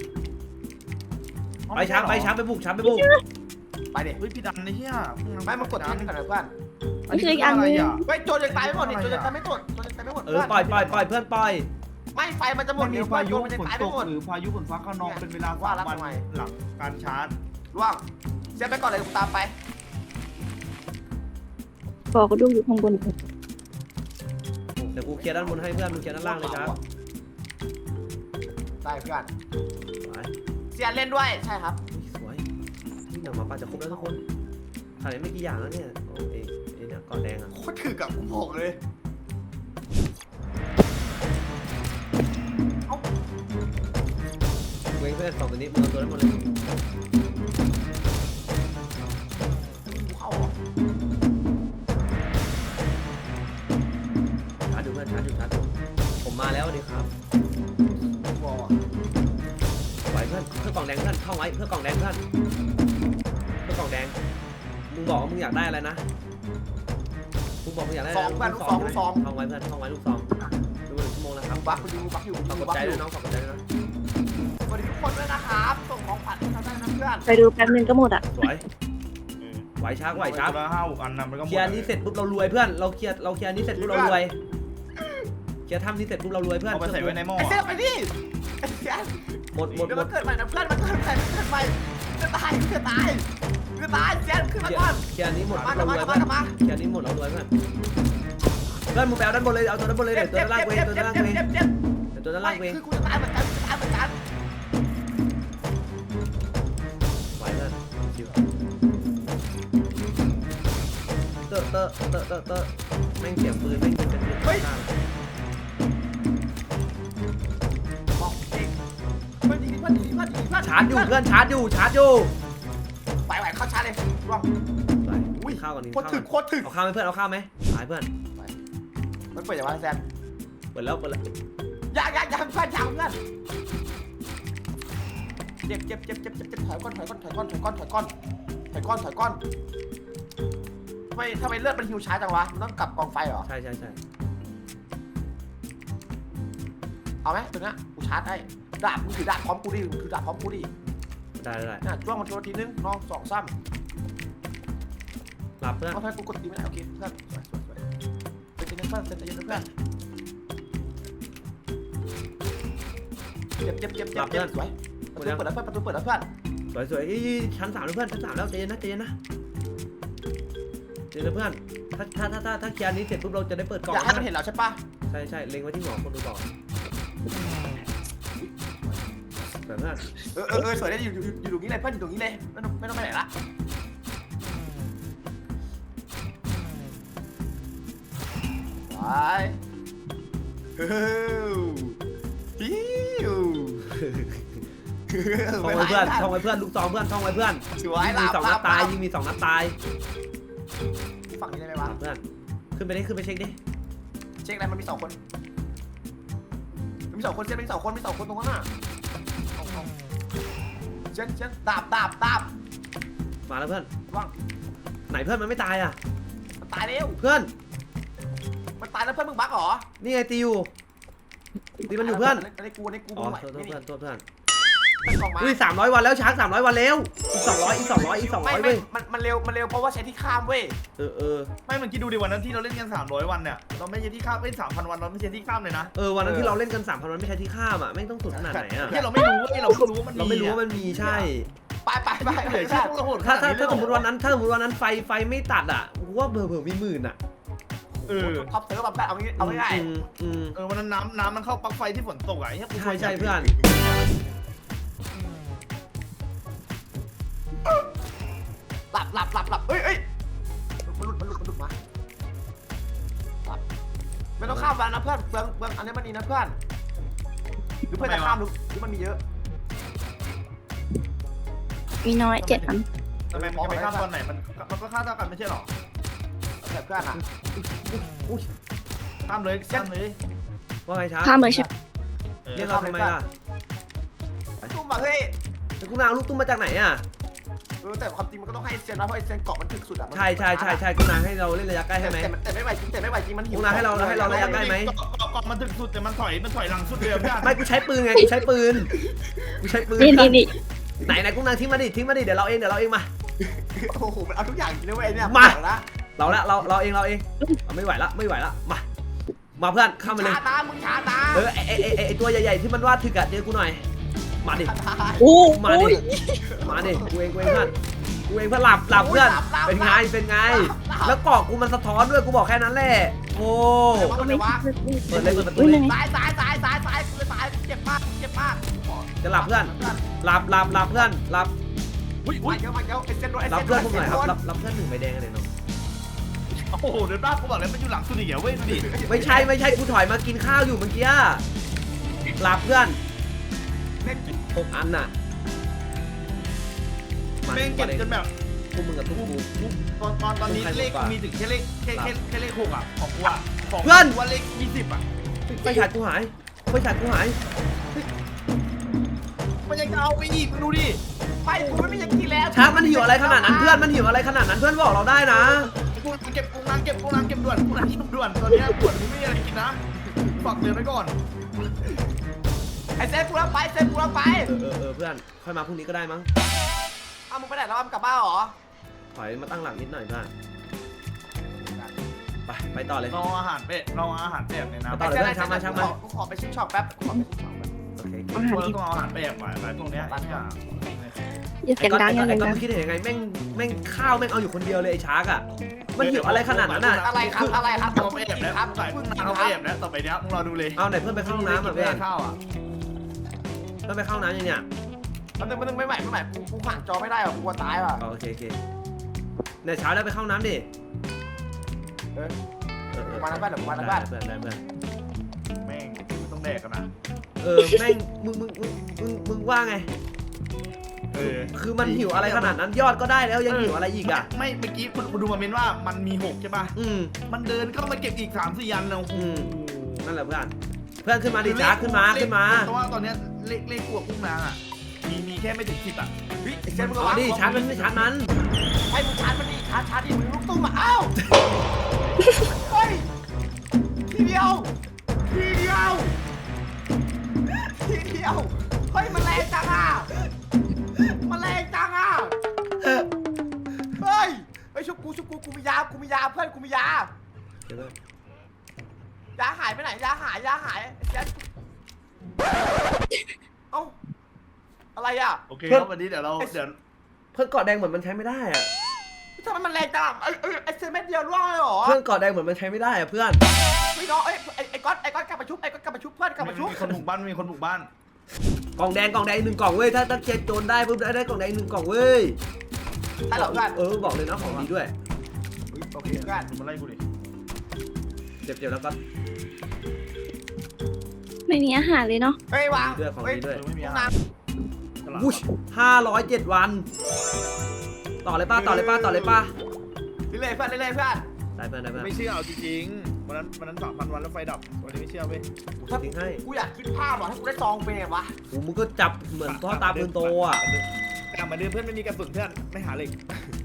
A: ไปช้างไปช้างไปบุกช้างไปบุก
C: ๆไปดิ
B: เฮ้ยพี่ดันไอ้เหี้ย
C: ไม่มากดทีนึงก่อนนะเพื่อน
D: นี่คืออีกอันนึง
C: เฮ้ยโจรยังตายไม่หมดนี่โจรยังตายไม่หมดโจรยังตายไม่หมด
A: เออปล่อยปล่อยปล่อยเพื่อนปล่อย
C: ไม่ไฟมันจะหม
B: มั
C: ด
B: นมี
C: เดี๋ยว
B: พายุ
C: มันจะ
B: ฝน
C: ตาย
B: ต
C: ไม่
B: ก
C: หมด
B: หรือพายุฝนฟ้าขนองเป็นเวลา
C: ว่า
B: สาม
C: แล้ว
B: วัน
C: ทำไม
B: หลังการชาร์จ
C: ร่วงเสียไปก่อนเลยกูตามไป
D: บอกก็ดูอยู่ข้างบน
A: เดี๋ยวกูเคลียร์ด้านบนให้เพื่อนมึงเคลียร์ด้านล่างเลยช้าง
C: ได้เพื่อน
A: สวย
C: เสียเล่นด้วยใช่ครับ
A: สวยนี่หนังหมาป่าจะครบแล้วทุกคนถ่ายไม่กี่อย่างแล้วเนี่ยโอ้เอเอเนี่ยก่อนแดงอ่ะ
C: โคตรถือกับกูบอกเลยเอ้า
A: เว้ยเพื่อนสองตัวนี้มึงเอาตัวนั้นหมดเลย
C: กูเข้าเหรอ
A: ชาร์จดูเพื่อนชาร์จดูชาร์จดูผมมาแล้วสวัสดีครับ
C: กูบอกอ่ะ
A: ไหวเพื่อนเพื่อกล่องแดงเพื่อนท่องไว้เพื่อกล่องแดงเพื่อนเพื่อกล่องแดงมึงบอกว่ามึงอยากได้อะไรนะมึงบอกมึงอยากได้อะไร
C: สองเพื่อนลูกสองลูกสอง
A: ท่องไว้เพื่อนท่องไว้ลูกซองดูหนึ่งชั่วโมงแล้วครับ
C: กูบักกูยิงกูบักอยู่
A: ขอบ
C: กู
A: คุณ
C: บัก
A: ใจ
C: อ
A: ด้ว
C: ยู่
A: ยน้องขอบคุณใจด้วยนะ
C: สวัสดีทุกคนด้วยนะครับส่งของขวัญให้เราได้นะเพื่อน
D: ไปดูแป๊บนึงก็หมดอ่ะ
A: สวยไหวช้าไหวช้า
B: ละห้าหกอันนะมันก็หม
A: เค
B: ด
A: ลียร์นี้เสร็จปุ๊บเรารวยเพื่อนเราเคลียร์เราเคลียร์นี้เสร็จปุ๊บเรารวยเคลียร์ทำนี้เสร็จปุ๊บเรารวยเพื่อน
B: เอาไปใส่ไว้ในหม้อ
C: ไอ้เสียไปดิไอ้เสีย
A: หมดหมด
C: เดี๋ยว
A: หม
C: มัน
A: ด
C: เกิดใหม่นะเพื่อนมันเกิดใหม่มันเกิดใหม่จะตายจะตายจะตายเสียขึ้นมาก่อน
A: เคลียร์นี้หมด
C: มา
A: เรา
C: มาร
A: วย
C: มา
A: เพื่อน
C: มา
A: เคลียร์นี้หมดเรารวยเพื่อนเพื่อนมึงไปเอาด้านบนเลยเอาตัวด้านบนเลยเดี๋ยวตัวด้านล่างเวงตัวด้านล่างเวง
C: เจ็บเจ็บ
A: เดี๋ยวตัวด้านล่างเวง
C: คือกูจะตายเหมือนกันตายเหมือนกัน
A: ไหวเพื่อนชิวเตอะเตอะเตอะเตอะเตอะแม่งเสียงปืนแม่งยิงเป็นปืนข้าง
C: บอกเองเพื่อนยิงเพื่อนยิงเพื่อนยิงเพื่อน
A: ชาร์จอยู่เพื่อนชาร์จอยู่ชาร์จอยู่
C: ไปไหวเข้าชาร์จเลยร่วง
A: ไปอุ้ยข้าวก่อนนี่
C: โคตร
A: ข้าว
C: ถึก
A: ก่อน
C: โคตรถึก
A: เอาข้าวไหมเพื่อนเอาข้าวไหมหายเพื่อน
C: มันเปิดอย่างไรแซน
A: เปิดแล้วเปิดแล้ว
C: ยากยากยากเพื่อนยากเพื่อนเจ็บเจ็บเจ็บเจ็บเจ็บเจ็บถอยก้อนถอยก้อนถอยก้อนถอยก้อนถอยก้อนถอยก้อนถอยก้อนทำไมทำไมเลือดมันหิวช้าจังวะมันต้องกลับกองไฟเหรอ
A: ใช่ใช่ใช่
C: เอาไหมตัวนี้กูชาร์จให้ดาบมึงถือดาบพร้อมกูดิมึงถือดาบพร้อมกูดิ
A: ได้ได้ได้
C: น่ะจ้วงมันทีละทีนึงน้องสองซ้
A: หลับเพื่อน
C: ำเอาทำไมกูกดตีไม่ได้โอเคเพื่อนสวยสวยสวยเป็นเพื่อนเป็นเย็นเพื่อนเจ็บเจ็บเจ็บเจ็บเจ็บสวยประตูเปิดแล้วเพื่อนประตูเปิดแล้วเพื่อน
A: สวยสวยอีชั้นสามแล้วเพื่อนชั้นสามแล้วใจเย็นนะใจเย็นนะใจเย็นนะเพื่อนถ้าถ้าถ้าถ้าถ้าเคลียร์นี้เสร็จปุ๊บเราจะได้เปิดกล่อง
C: อยากให้มันเห็นเราใช่ปะ
A: ใช่ใช่เล็งไว้ที่หัวคนดูบอกสวยเพื่อน
C: เออเออเออสวยได้อยู่อยู่อยู่ตรงนี้เลยเพื่อนอยู่ตรงนี้เลยไม่ต้องไม่ต้องไปไหนละไปฮิวฮิว
A: ท่องไว้เพื่อนท่องไว้เพื่อนลูกซองเพื่อนท่องไว้เพื่อน
C: สวย
A: ยิง
C: หลั
A: มี
C: บ
A: สอง
C: ห
A: นั
C: ลั
A: ด
C: บ
A: ตายยิงมีสองนัดตาย
C: ฝั่งนี้ได้ไหม
A: ห
C: วะ
A: ลับเพื่อนขึ้นไปดิขึ้นไปเช็คดิ
C: เช็คอะไรมันมีสองคนมีสองคนเช็คมีสองคนมีสองคนตรงนั้นน่ะเอาเอาเช็คเช็คดาบดาบดาบ
A: มาแล้วเพื่อน
C: ว่าง
A: ไหนเพื่อนมันไม่ตายอ่ะ
C: มันตายแล้ว
A: เพื่อน
C: มันตายแล้วเพื่อนมึงบักเหรอ
A: นี่ไงตีอยู่ตีมันอยู่เพื่อน
C: อันนี้กูอันนี้กู
A: อ๋อ
C: ไม่
A: โทษ
C: ไหว
A: โทษเพื่อนโทษเพื่อน
C: เป็นกล่องไม้
A: อุ้ยสามร้อยวันแล้วช้างสามร้อยวันแล้วอีกสองร้อยอีกสองร้อยอีกสองร้
C: ไม่
A: อย
C: ไม่
A: เว้ย
C: มันมันเร็วมันเร็วเพราะว่าใช้ที่ข้ามเว้ย
A: เออเออ
B: ไม่มันคิดดูดิวันนั้นที่เราเล่นกันสามร้อยวันเนี่ยเราไม่ใช่ที่ข้ามเล่นสามพันวันเราไม่ใช่ที่ข้ามเลยนะ
A: เออวันนั้นที่เราเล่นกันสามพันวันไม่ใช่ที่ข้ามอ่ะแม่งต้องสุดขนาดไหนอ่ะ
B: ที่เราไม่รู้เว้ยเราไม่รู้ว่ามัน
A: เราไม่รู้ว่ามันมีใช่
C: ไปไปไป
B: เหลือ
C: ใช่
B: แค่พวกเราโหด
A: ถ้าถ้าถ้าสมมติวันนั้นถ้าสมมติวันนั้นไฟไฟไม่ตัดอ่ะกูว่าเผื่อเผื่อมีหมื่นอ่ะ
B: เออ
C: ท็อปเซิร์ฟแบบเอางี้เอาง่าย
A: อืมอืม
B: เออวันนั้นน้ำน้ำมันเข้าปลั๊กไฟที่ฝนตกอ่ะไอ้เหี้ยกู
A: ใช่ใช่เพื่อน
C: หลับหลับหลับหลับเอ้ยเอ้ยมันหลุดมันหลุดมันหลุดมาหลับไม่ต้องข้ามวันนะเพื่อนเบืองเบืองอันนี้มันนี่นะเพื่อนหรือเพื่อนจะข้ามหรือหรือมันมีเยอะ
D: มีน้อยเจ็ดพัน
B: ทำไมมันจะไปข้ามตอนไหนมันมันก็ข้ามเท่ากันไม่ใช่หรอ
C: แต่เพื่อนอ่ะ
A: อุ้ย
B: ข้ามเลยข้ามเลย
A: ว่าไงช้าง
D: ข้ามเลยใช่ไหม
B: เออ
A: เรียกเราทำไมล่ะ
C: ตุ้มมาเฮ้ย
A: แต่กูนาเอาลูกตุ้มมาจากไหนอ่ะ
C: เออแต่ความจริงมันก็ต้องให้เซนนะเพราะไอเซนเกาะมันถึกสุดอ่ะ
A: ใช่ใช่ใช่ใช่กูนาให้เราเล่นระยะใกล้ให้ไหม
C: แต่แต่ไม่ไหวจริงแต่ไม่ไหวจริงมันหิว
A: พวกนายให้เราให้เราระยะใกล้ไหม
B: เกาะเกาะมันถึงสุดแต่มันถอยมันถอยหลังสุดเลยอะเพื่อน
A: ไม่กูใช้ปืนไงกูใช้ปืนกูใช้ปืน
D: นี่นี่นี่
A: ไหนไหนกูนาทิ้งมาดิทิ้งมาดิเดี๋ยวเราเองเดี๋ยวเราเองมา
C: โอ้โหมันเอาทุกอย่างจริงนะเว้ยเนี่ย
A: มา
C: ละ
A: เราละเราเราเองเราเองเราไม่ไหวละไม่ไหวละมามาเพื่อนเข้ามาเลย
C: ช้านะมึงช้านะ
A: เออไอไอไอ้ไอไอตัวใหญ่ๆที่มันวาดถึกอะเจอกูหน่อยมาดิ
D: โอ้
A: มาดิ มาดิกูเองกูเองเพื่อนกูเองเพื่อนหลับหลับเพื่อนเป็นไงเป็นไง แล้วกรอกกูมันสะท้อนด้วยกูบอกแค่นั้นแหละโอ้
C: มันเลยวะ
A: เปิดเลยเปิดประตู
D: อุ้ย
A: เลย
D: ไหน
C: ซ้ายซ้ายซ้ายซ้ายซ้ายกูจะตายเจ็บมากเจ็บมาก
A: จะหลับเพื่อนหลับหลับหลับเพื่อนหลับ
B: อุ้ย
C: มา
B: อุ้ย
C: เยอะมาเยอะไอเซนโดนไอ
A: หลับ
C: เซนโด
A: เพื่อน
C: น
A: พวกหน่อยครับหลับหลับเพื่อนหนึ่งใบแดงกันเลยเนาะ
B: โอ้โหเดี๋ยวป้ากูบอกเลยมันอยู่หลังสุดอีกเหรอเว้ยดูดิ
A: ไม่ใช่ไม่ใช่กูถอยมากินข้าวอยู่เมื่อกี้หลับเพื่อน
C: เล่นกิน
A: หกอันน่ะมา
B: แม่งเก็บจนแบบ
A: พวกมึงกับทุกกู
B: ตอนตอนตอนนี้เลขกูมีถึงแค่เลขแค่แค่แค่เลขหกอ่ะของกูอ่ะของ
A: เพื่อน
B: กูว่าเลขยี่สิบอ่ะ
A: ไฟฉายกูหายไฟฉายกูหาย
B: มันยังจะเอาไปอีกมึงดูดิ
C: ไปกูไม่มีอย่างที่แล้ว
A: ช้างมันหิวอะไรขนาดนั้นเพื่อนมันหิวอะไรขนาดนั้นเพื่อนบอกเราได้นะ
B: กูเก็บกูนางเก็บกูนางเก็บด่วนกูนางเก็บด่วนตอนนี้ด่วนกูไม่มีอะไรกินนะฝากเตือนไว้ก่อน
C: ไอเซนกูรับไปเซนกูรับไป
A: เออเออเออเพื่อนค่อยมาพรุ่งนี้ก็ได้มั้ง
C: อ้าวมึงไปไหนแล้วมึงกลับบ้านเหรอ
A: ถอยมาตั้งหลังนิดหน่อยเพื่อนไปไปต่อเลย
B: รออาหารเป็ดรออาหารเป็ดในน้ำ
A: ต่อเลยเพื่อนช้างมาช้างมา
C: กูขอไปชิมช็อปแป๊บกูขอไปชิมช็อปแป๊บ
A: โอเค
D: อาหาร
B: เรา
D: อีก
B: ต้องเอาอาหารเป็ดไปไปพวกเนี้ย
D: อย่าเสียงดังอย่า
A: ไอ้
D: เสียง
A: ก้อน
D: ดัง
A: คิดเห็นยังไงแม่งแม่งข้าวแม่งเอาอยู่คนเดียวเลยไอ้ชาร์กอ่ะมันหิวอะไรขนาดนั้นอ่ะ
C: อะไรครับอะไรครับ
B: เอาไปแอบแล้วใส่พึ่งนางเอาไปแอบแล้วต่อไปเนี้ยมึงรอดูเลย
A: เอาไหนเพื่อนไปเข้าห้องน้ำอ่ะเพื่อน
B: ข้าวอ่ะ
A: เพื่อนไปเข้าห้องน้ำยังเนี่ย
C: มันนึงมันนึงไม่ไหวไม่ไหวกูกูห่างจอไม่ได้หรอกกูกลัวตายว่ะ
A: อ๋อโอเคโอเคเนี่ยเช้าได้ไปเข้าห้องน้ำดิ
C: เออ
A: เออเออ
C: มาแล้วบ้านเดี๋ยวมาแล้วบ้าน
A: ได้เพื่อนได้เพื่อน
B: แม่งต้องแดกกันนะ
A: เออแม่งมึงมึงมึงมึงมึงว่าไง
B: เออ
A: คือมันหิวอะไรขนาดนั้นยอดก็ได้แล้วยังหิวอะไรอีกอ่ะ
B: ไม่เมื่อกี้คุณดูมาเมนว่ามันมีหกใช่ป่ะ
A: อืม
B: มันเดินเข้ามาเก็บอีกสามสี่ยันนะ
A: อืมนั่นแหละเพื่อนเพื่อนขึ้นมาดิช้าขึ้นมาขึ้นมา
B: เพราะว่าตอนเนี้ยเลขเลขพวกกุ้งนางอ่ะมีมีแค่ไม่ถึงสิบอ่ะ
C: เฮ้ยไอเซนมึง
A: เอา
C: ระวัง
A: ดิชาร์จมันไม่ชาร์จมัน
C: ให้มึงชาร์จมันดิชาร์จชาร์จดิมึงลูกตุ้มอ่ะอ้าวเฮ้ยทีเดียวทีเดียวทีเดียวเฮ้ยมันแรงจังอ่ะมันแรงจังอ่ะเฮ้ยไอชุบกูชุบกูกูมียากูมียาเพื่อนกูมียา
A: เดี๋ยวเพื่อน
C: ยาหายไปไหนยาหายยาหายไอ้เจ๊เอ้าอะไรอ่ะ
B: โอเคครับวันนี้เดี๋ยวเราเดี๋ยว
A: เพื่อนเกาะแดงเหมือนมันใช้ไม่ได้อะ
C: ทำไมมันแรงจังอะไอ้ไอ้ไอ้เซนเม็ดเดียวร่วงเลยเหรอ
A: เพื่อนเกาะแดงเหมือนมันใช้ไม่ได้อะเพื่อน
C: ไม่น้องไอ้ไอ้ไอ้ก๊อตไอ้ก๊อตกลับมาชุบไอ้ก๊อตกลับมาชุบเพื่อนกลับมาชุบ
B: มีคนบุกบ้านมีคนบุกบ้าน
A: กล่องแดงกล่องแดงหนึ่งกล่องเว้ยถ้าถ้าเคลียร์โจรได้ปุ๊บได้ได้กล่องแดงหนึ่งกล่องเว้ย
C: ใช่เหรอเพื่อน
A: เออบอกเลยนะของดีด้วย
C: โอเคเพื่อน
B: มาไล่กูดิ
A: เจ็บเจ็บแล้วก็
D: ไม่มีอาหารเลยเนาะ
C: เฮ้ยวาง
A: ด้วยของ
C: เฮ้ย
A: ดีด้วย
B: ไม่มี
C: ห้อง
B: อาหาร
C: น้
A: วุ้ชห้าร้อยเจ็ดวัน ต่อเลยป้าต่อเลยป้าต่อเลยป้า
C: ำเรื่อยๆเพื่อนเรื่อยๆเพื่อน
A: ได้เพื่อนได้เพื่อน
B: ไม่เชื่อเอาจริงๆวันนั้นวันนั้นสามพันวันแล้วไฟดับวันนี้ไม่เชื่อเว้ย
A: กูทิ้งให้
C: กูอยากคิดภาพว่ะถ้ากูได้ซองเป็นไงวะ
A: โอ้มึงก็จับเหมือนพ่อตาปืนโตอ่ะ
B: กลับมาดื้อเพื่อนไม่มีกระสุนเพื่อนไม่หาเหล็ก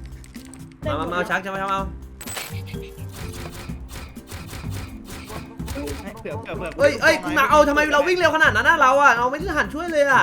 A: มามามาชักจะมาทำเอา
C: ก
B: เผื่อเผื่อเผื่อ
A: เอ้ยเอ้ยกูมาเอาทำไมเราวิ่งเร็วขนาดนั้นนะเราอะเราไม่ได้หันช่วยเลยอะ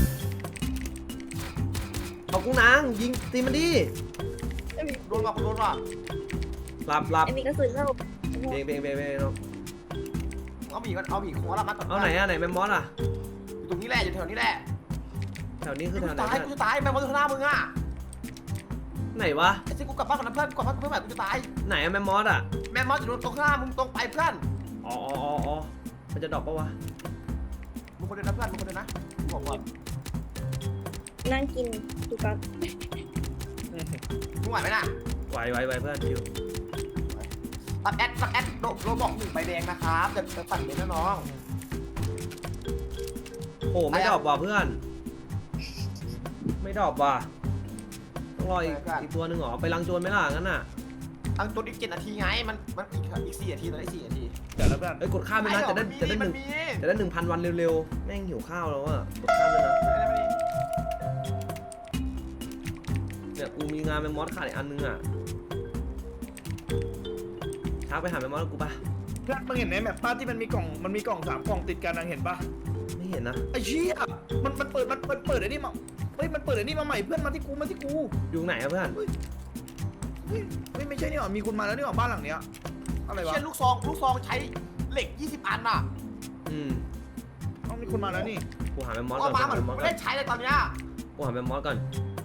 A: เอากุ้งนางยิงตีมันดิ
C: โดนว่ะโดนว่ะ
A: หลับหลับ
D: ไอ้มีกระสุนแล้ว
A: เบงเบงเบงเบงน้อง
C: เอาหมีกันเอาหมีโค้งละมัดก่อน
A: เอาไหนอะไหนแมมมอสอะ
C: อยู่ตรงนี้แหละอยู่แถวนี้แหละ
A: แถวนี้คือ
C: กู
A: แถวไหน
C: จะตายกูจะตายแม่มดข้างหน้ามึงอ่ะ
A: ไหนวะ
C: ไอ้ที่กูกลับบ้านก่อนนะเพื่อนกลับบ้านเพื่อนแบบกูจะตาย
A: ไหนอะแมมมอสอะ
C: แม่มดอยู่ตรงข้างหน้ามึงตรงไปเพื่อน
A: อ๋ออ๋ออ๋ออ๋อมันจะดรอปปะวะ
C: มึงคนเดียวนะเพื่อนมึงคนเดียวนะบอกก่อน
D: นั่งกินดูกัน
C: มึงไหวไหมน่ะ
A: ไหวไหวไหวเพื่อนคิว
C: ตัดแอดตัดแอดโดโดบอกหนึ่งใบแดงนะครับจะจะตัดเลยนะน้อง
A: โอ้ไม่ดรอปว่ะเพื่อน ไม่ดรอปว่ะต้องรออีกอีกตัวหนึ่งเหรอไปลังโจรไหมล่ะงั้นน่ะ
C: ตั้งตัวอีกเจ็ดนาทีไงมันมันอีกอีกสี่นาทีตอนนี้สี่นาที
B: เดี๋ยวแล้วเพื่อน
A: เอ้ยกดข้ามไปนะจะได้จะได้ห
C: มั
A: นึ่
C: น
A: ง
C: มี
A: จะได้หนึ่งพันวันเร็วๆแม่งหิวข้าวแล้วอะกดข้ามเลยนะเนี่ยกูมีงานแมมมอสขาดอีกอันนึงอะทักไปหาแมมมอสกูปะ
B: เพื่อนมึงเห็นไหมแบบป้าที่มันมีกล่องมันมีกล่องสามกล่องติดกันนะเห็นปะ
A: ไม่เห็นนะ
B: ไอ้เชี่ยมันมันเปิดมันเปิดเปิดไอ้นี่มาเฮ้ยมันเปิดไอ้นี่มาใหม่เพื่อนมาที่กูมาที่กู
A: อยู่ไหนอะเพื่อน
B: เฮ้ยเฮ้ยเฮ้ยไม่ใช่นี่หว่ามีคุณมาแล้วนี่หว่าบ้านหลังเนี้ยอะไรวะ
C: เช่นลูกซองลูกซองใช้เหล็กยี่สิบอันอ่ะ
A: อืม
B: ต้องมีคุณมาแล้วนี่
A: กูหาแมมมอส
C: ก็
A: ก่อน
C: มา
A: กู
C: เหมื
A: หา
C: อน
A: แมมมอส
C: ไม่
A: ก่อ
C: ได้
A: น
C: ใช้เลยตอนเนี้ย
A: กูหาแมมมอสก่อน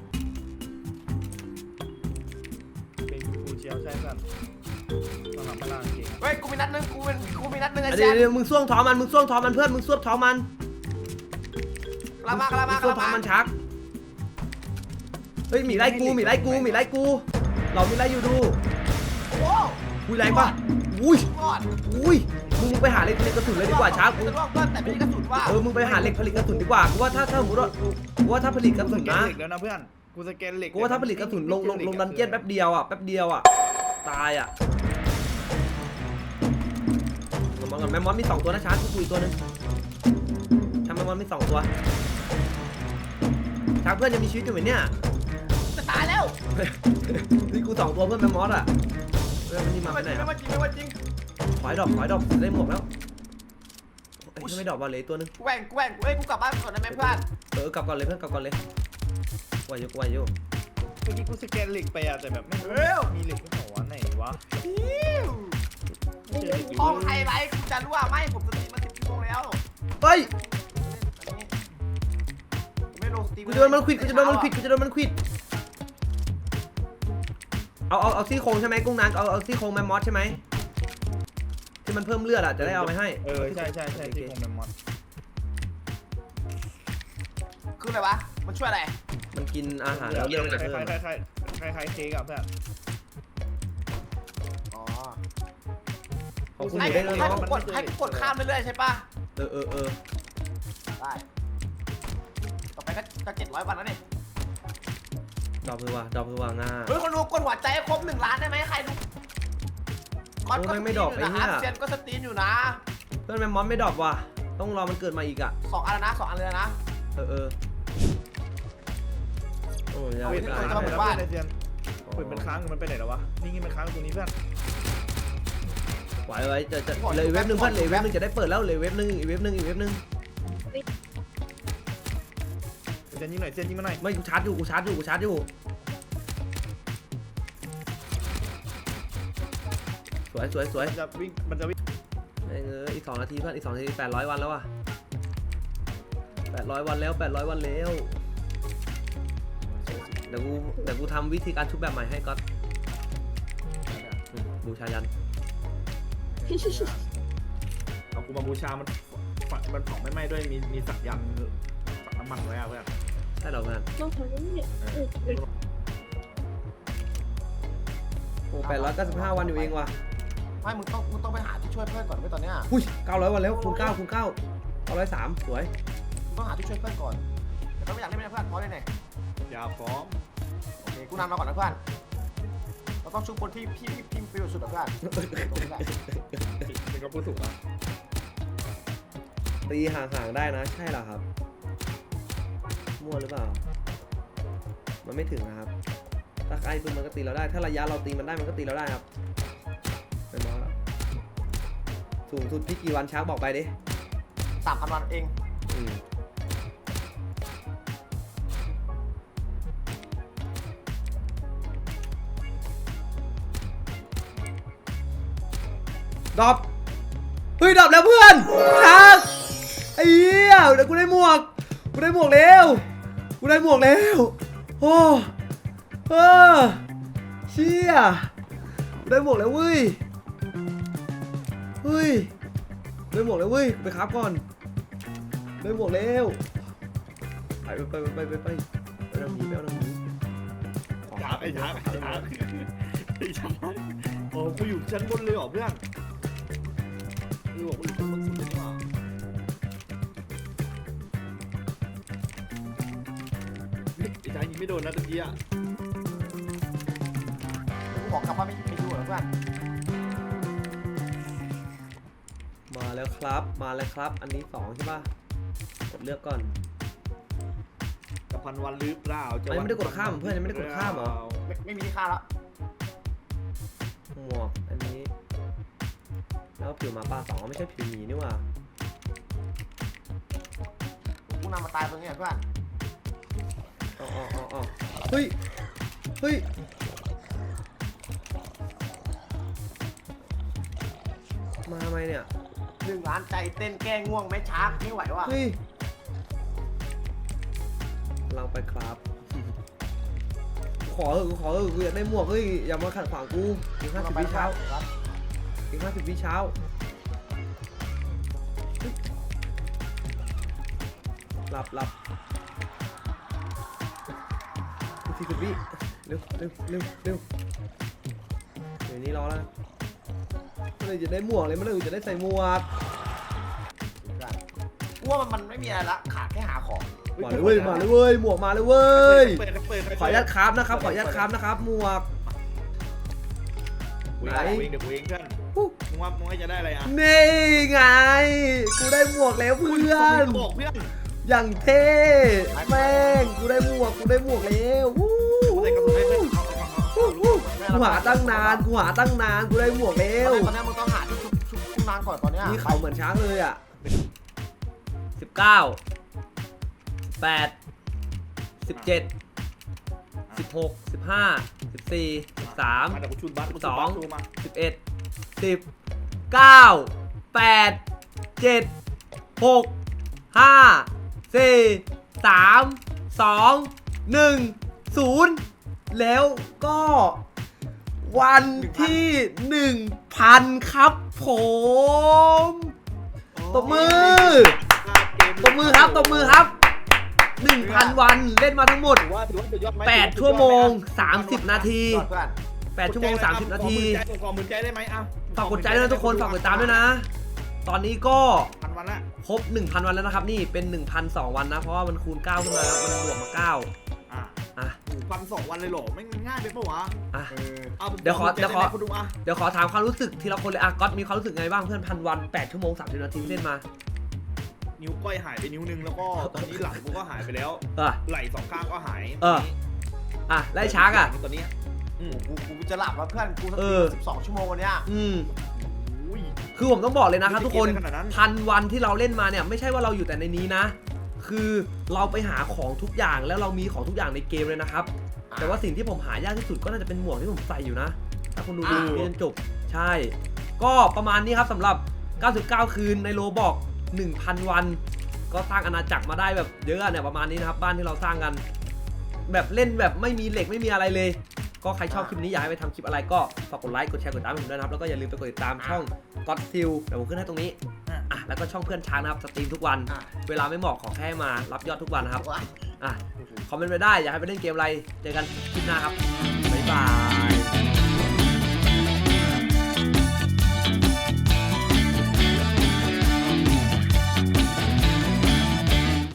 B: เป็นกูเชียวใช่เพื่อนตอนหลังพลังเก่ง
C: เฮ้ยกูมีนัดนึงกูเป็นกูมีนัดนึงไอ้
A: อ่ะ
C: แซ
A: เดี๋ยว
C: ม
A: เดี๋ยวมึงส่วงท้องมันมึงส่วงท้องมันเพื่อนมึงส่วงท้องมัน
C: กลับมากลับ
A: มึ
C: มาง ก
A: ส่ว
C: ลั
A: ง
C: บ
A: ท้อง
C: มา
A: มันชักเฮ้ยหมีไล่กูหมีไล่กูหมีไล่กู เรามีไล่อยู่ดู
C: โอ้
A: อุ้ยแรงปะอุ้ย
C: ก่อน
A: อุ้ยมึงมึงไปหาเหล็กผลิตกระสุนเลยดีกว่าช้ากู
C: จะล่วงเพื่อนแต่ไม่ได้กระสุนว่า
A: เออมึงไปหาเหล็กผลิตกระสุนดีกว่ากูว่าถ้าถ้าสมมติว่ากูว่าถ้าผลิตกระสุน
B: สแกน
A: นะ
B: เหล็กแล้วนะเพื่อนกูสแกนเหล็ก
A: กูว่าถ้าผลิตกระสุนลงลงลงดันเจี้ยนแป๊บเดียวอ่ะแป๊บเดียวอ่ะตายอ่ะมองก่อนแมมมอสมีสองตัวนะช้ากูคุยตัวนึงทำแมมมอสมีสองตัวช้าเพื่อนยังมีชีวิตอยู่ไหมเนี่ย
C: จะตายแล้ว
A: นี่กูสองตัวเพื่อนแมมมอสอ่ะเพื่อนมันนี่มา
C: ไม่
A: ไป
C: ว่า
A: ไห
C: จ
A: น
C: ริง
A: อ่ะ
C: ไม่ว่าจริงไม่ว่าจริง
A: ถอยดอกถอยดอกได้หมวกแล้วไอ้ที่ไม่ดอกบอลเลยตัวนึง
C: กูแหว่งกูแหว่งเอ้ยกูกลับบ้านก่อนได้ไหมเพื่อน
A: เออกลับก่อนเลยเพื่อนกลับก่อนเลยไหวอยู่ไหวอยู่
B: เมื่อกี้กูสแกนเหล็กไปอะแต่แบบไม่
C: เร็ว
B: มีเหล็กไม่บอกว่าไหนวะ
C: ฮิว
B: ไม่เจอเหล็กอยู่
C: ห้องไฮไลท์กูจะรู้ว่าไม่ผมสตรีมมาสิบชั่วโมงแล้ว
A: เฮ้ย
C: ไม่ลงสตรีม
A: กูจะโดนมันควิดกูจะโดนมันควิดกูจะโดนมันควิดเอาเอาเอาซี่โครงใช่ไหมกุ้งนางเอาเอาซี่โครงแมมมอสใช่ไหมที่มันเพิ่มเลือดอ่ะจะได้เอาไปให้
B: เออใช่ใช่ใช่ที่คงเป็นมอส
C: คืออะไรวะมันช่วยอะไร
A: มันกินอาหารแล้วเลือดมันจะ
B: ค
A: เพิ่ม
B: ล้ายๆคล้ายๆคล้ายๆคล้ายๆเค้กอะเพื่อน
C: อ๋อ
A: ของคุณอ
C: ให้
A: ยู่ได้
C: กู
A: เลย
C: ให้
A: เนาะ
C: กูกดให้กูกดข้ามเรื่อยๆใช่ปะ
A: เออเออเออ
C: ได้ต่อไปก็จะเจ็ดร้อยวันแล้วนี่
A: ดอกคือว่าดอกคือว่าง่า
C: เฮ้ยคนดูกดหัวใจให้ครบหนึ่งล้านได้ไหมใครดูก็สตรีมอยู่นะครับเซียนก็สตรีมอยู่นะ
A: เพื่อนแมมมอสไม่ดอกว่ะต้องรอมันเกิดมาอีกอ่ะ
C: สองอันแล้วนะสองอันเลยนะ
A: เออเออโอ้ยยาว
B: เว้ย
A: ไป
B: เพื่อน
A: ไกล
B: ทำไมบ้านไอเซียนเปิดมันค้างมันไปไหนแล้ววะนี่งี้มันค้างตรงนี้เพื่อน
A: ไหวไว้จะจะเลยเว็บหนึ่งเพื่อนเลยเว็บหนึ่งจะได้เปิดแล้วเลยเว็บหนึ่งอีกเว็บหนึ่งอีกเว็บหนึ่ง
B: เซียนยิงหน่อยเซียนยิงมาหน่อย
A: ไม่กูชาร์จอยู่กูชาร์จอยู่กูชาร์จอยู่สวยสวยสวย
B: มันจะวิ่งมันจะวิ่ง
A: เอออีกสองนาทีเพื่อนอีกสองนาทีแปดร้อยวันแล้วอ่ะแปดร้อยวันแล้วแปดร้อยวันแล้วเดี๋ยวกูเดี๋ยวกูทำวิธีการชุบแบบใหม่ให้ก๊อตอืมบูชายัน
B: เอากูมาบูชามันมันเผาไม่ไหม้ด้วยมีมีสักยันสักน้ำมันไว้อะเพื่อน
A: ใช่เหรอเพื่อน
D: ต้องทำนี่
A: โอ้แปดร้อยเก้าสิบห้าวันอยู่เองว่ะ
C: ไม่มึงต้องมึงต้องไปหาที่ช่วยเพื่อนก่อนไว้ตอนเนี้ย
A: อุ้ยเก้าร้อยวันแล้วคูณเก้าคูณเก้าเก้าร้อยสามสวย
C: มึงต้องหาที่ช่วยเพื่อนก่อนแต่ก็ไม่อยากเล่นไม่ได้เพื่อนเพราะอะไรเนี่ย
B: ยาฟ้อง
C: โอเคกูนำเราก่อนนะเพื่อนเราต้องชุบคนที่พี่พี่พิมพ์ประโยชน์สุดนะเพื่อนตรงนี้แหละ
B: นี่ก็พูดถูกนะ
A: ตีห่างๆได้นะใช่เหรอครับมั่วหรือเปล่ามันไม่ถึงนะครับถ้าใกล้ปุ๊บมันก็ตีเราได้ ถ้าระยะเราตีมันได้มันก็ตีเราได้ครับไม่มองแล้วสูงสุดพี่กี่วันช้างบอกไปดิ
C: สามพันวันเอง
A: อืมดรอปเฮ้ยดรอปแล้วเพื่อนช้างไอ้เหี้ยเดี๋ยวกูได้หมวกกูได้หมวกแล้วกูได้หมวกแล้วโอ้เออเชี่ยกูได้หมวกแล้วเว้ยเฮ้ยได้หมวกแล้วเว้ยไปครับก่อนได้หมวกแล้วไปไปไปไปไปไปไปเอาหนีไปเอาหนี
B: ช้างไอ้ช้างไอ้ช้างไอ้ช้างโอ้กูอยู่ชั้นบนเลยเหรอเพื่อนกูบอกกูอยู่ชั้นบนสุดเลยนี่หว่าไอ้ช้างยิงไม่โดนนะตะกี้อ่ะ
C: กูบอกกลับว่าไม่ไม่ดูเหรอเพื่อน
A: มาแล้วครับมาแล้วครับอันนี้สองใช่ป่ะกดเลือกก่อน
B: กับพันวันหรือเปล่าจะ
A: อันนี้ไม่ได้กดข้ามเพื่อนยังไม่ได้กดข้ามเหรอ
C: ไม่ไม่มีที่ค่าแล้ว
A: หมวกอันนี้แล้วผิวหมาป่าสองไม่ใช่ผิวหมีนี่หว่า
C: กูนำมาตายตรงนี้เพื่อน
A: อ๋ออ๋ออ๋ออ๋อเฮ้ยเฮ้ยมาทำไมเนี่ย
C: หนึ่งล้านใจเต้นแก้ง่วงไหมช้าไม่ไหวว่ะ
A: เฮ้ยเราไปครับขอเออขอเออกูอยากได้หมวกเฮ้ยอย่ามาขัดขวางกูอีกห้าสิบวิเช้าอีกห้าสิบวิเช้าหลับหลับอีกสี่สิบวิเร็วเร็วเร็วเร็วเดี๋ยวนี้รอแล้วเมื่อไหร่จะได้หมวกเลยเมื่อไหร่จะได้ใส่หมวก
C: กูว่ามันไม่มีอะไรละขาดแค่หาของ
A: มาเลยเว้ยมาเลยเว้ยหมวกมาเลยเว้ย
B: เปิดเปิดเปิด
A: ขออนุญาตครับนะครับขออนุญาตครับนะครับหมวก
B: กูเองเดี๋ยวกูเองเพื่อนมึงว่ามึงว่าจะได้อะไรอ่ะ
A: นี่ไงกูได้หมวกแล้วเพื่อน
B: บอกเพื่อน
A: อย่างเท่แม่งกูได้หมวกกูได้หมวกแล้ววู้
B: กูใส่กระสุนให้เพื่อนเอาเอาเอา
A: วู้วู้กูหาตั้งนานกูหาตั้งนานกูได้หมวกแล้
C: ต
A: ว
C: อนนี้มึงต้องหาที่ชุบชุบชุบนานก่อนตอนเนี้ย
A: นี่เขาเหมือนช้างเลยอ่ะสิบเก้าแปดสิบเจ็ดสิบหกสิบห้าสิบสี่สิบสาม
B: มาเดี๋ยวกูชุนบัสกู
A: สอง
B: ชุนบัส
A: สิบเอ็ดสิบเก้าแปดเจ็ดหกห้าสี่สามสองหนึ่งศูนย์แล้วก็วันที่หนึ่งพันครับผมตบมือตบมือครับตบมือครับหนึ่งพันวันเล่นมาทั้งหมด
B: ถือว่าถือว่าสุดยอดไหม
A: แปดชั่วโมงสามสิบนาที
C: ยอดเพื่อน
A: แปดชั่วโมงสามสิบนาที
B: ขอมือใจได้ไหมอ่ะ
A: ฝากกดใจด้วยนะทุกคนฝากกดติดตามด้วยนะ ตอนนี้ก็
B: พันวันละ
A: ครบ หนึ่งพัน วันแล้วนะครับ นี่เป็น หนึ่งพันสอง วันนะ เพราะว่ามันคูณเก้าขึ้นมาครับมันบวกมาเก้า
B: อ่ะ
A: อ่ะ
B: พันสองวันเลยเหรอไม่ง่ายไปปะวะ
A: อ่ะ
C: เออ
B: เอา
A: เดี๋ยวขอเดี๋ยวขอ
B: คุณดูอ่ะ
A: เดี๋ยวขอถามความรู้สึกทีละคนเลยอ่ะก๊อตมีความรู้สึกไงบ้างเพื่อนพันวันแปดชั่วโมงสามสิบนาทีเล่นมา
B: นิ้วก้อยหายไปนิ้วนึงแล้วก็ตอนนี้หลังกูก็หายไปแล้ว
A: เออ
B: ไหล่สองข้างก็หาย
A: เออ อ่ะไล่ช้างอ่ะ
B: ตอนนี้อืม
C: กูกูจะหลับแล้วเพื่อนกูส
A: เอ
C: ติ
A: อ
C: สิบสองชั่วโมงวันเนี้ย
A: อืม
B: อุ้ย
A: คือผมต้องบอกเลยนะครับทุกคน
B: ขนาดนั้น
A: พันวันที่เราเล่นมาเนี่ยไม่ใช่ว่าเราอยู่แต่ในนี้นะ คือเราไปหาของทุกอย่างแล้วเรามีของทุกอย่างในเกมเลยนะครับ แต่ว่าสิ่งที่ผมหายากที่สุดก็น่าจะเป็นหมวกที่ผมใส่อยู่นะ ถ้าคุณดูดูนี่จนจบ ใช่ ก็ประมาณนี้ครับสำหรับ เก้าสิบเก้า คืนในโรบอก หนึ่งพัน วัน ก็สร้างอาณาจักรมาได้แบบเยอะเนี่ยประมาณนี้นะครับ บ้านที่เราสร้างกัน แบบเล่นแบบไม่มีเหล็กไม่มีอะไรเลย ก็ใครชอบคลิปนี้อยากให้ไปทำคลิปอะไรก็ฝากกดไลค์กดแชร์กดติดตามให้ผมด้วยนะครับ แล้วก็อย่าลืมไปกดติดตามช่อง ก็อดซิลเดี๋ยวผมขึ้นให้ตรงนี้อ่ะแล้วก็ช่องเพื่อนช้างนะครับสตรีมทุกวัน
C: อ่ะ
A: เวลาไม่เหมาะขอแค่มารับยอดทุกวันนะครับ
C: ว้าย
A: อ่ะ คอมเมนต์ไปได้ อยากให้ไปเล่นเกมอะไร เจอกันคลิปหน้าครับ บ๊ายบาย